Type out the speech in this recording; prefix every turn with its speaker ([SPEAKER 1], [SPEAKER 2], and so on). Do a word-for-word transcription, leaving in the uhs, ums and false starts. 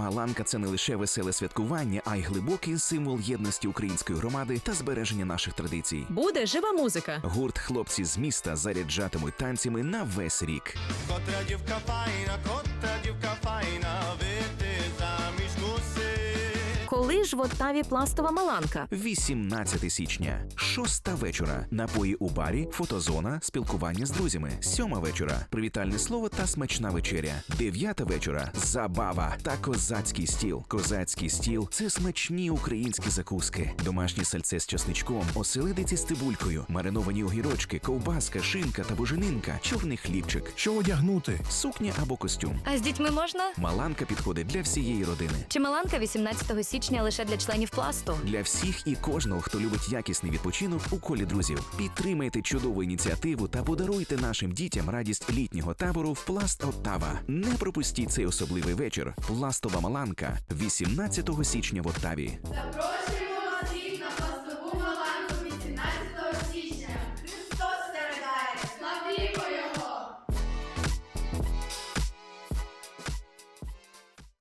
[SPEAKER 1] Маланка – це не лише веселе святкування, а й глибокий символ єдності української громади та збереження наших традицій.
[SPEAKER 2] Буде жива музика.
[SPEAKER 1] Гурт «Хлопці з міста» заряджатимуть танцями на весь рік.
[SPEAKER 3] Котра дівка файна, котра дівка файна, вийти заміж мусить.
[SPEAKER 2] Коли ж в Оттаві пластова Маланка?
[SPEAKER 1] вісімнадцятого січня. Шоста вечора. Напої у барі, фотозона, спілкування з друзями. Сьома вечора. Привітальне слово та смачна вечеря. Дев'ята вечора. Забава та козацький стіл. Козацький стіл – це смачні українські закуски. Домашнє сальце з чесничком, оселедиці з цибулькою, мариновані огірочки, ковбаска, шинка та буженинка, чорний хлібчик.
[SPEAKER 4] Що одягнути?
[SPEAKER 1] Сукня або костюм.
[SPEAKER 5] А з дітьми можна?
[SPEAKER 1] Маланка підходить для всієї родини.
[SPEAKER 5] Чи Маланка вісімнадцятого січня лише для членів пласту?
[SPEAKER 1] Для всіх і кожного, хто любить якісний відпочинок у колі друзів. Підтримайте чудову ініціативу та подаруйте нашим дітям радість літнього табору в Пласт Оттава. Не пропустіть цей особливий вечір. Пластова Маланка. вісімнадцятого січня в Оттаві.
[SPEAKER 6] Запрошую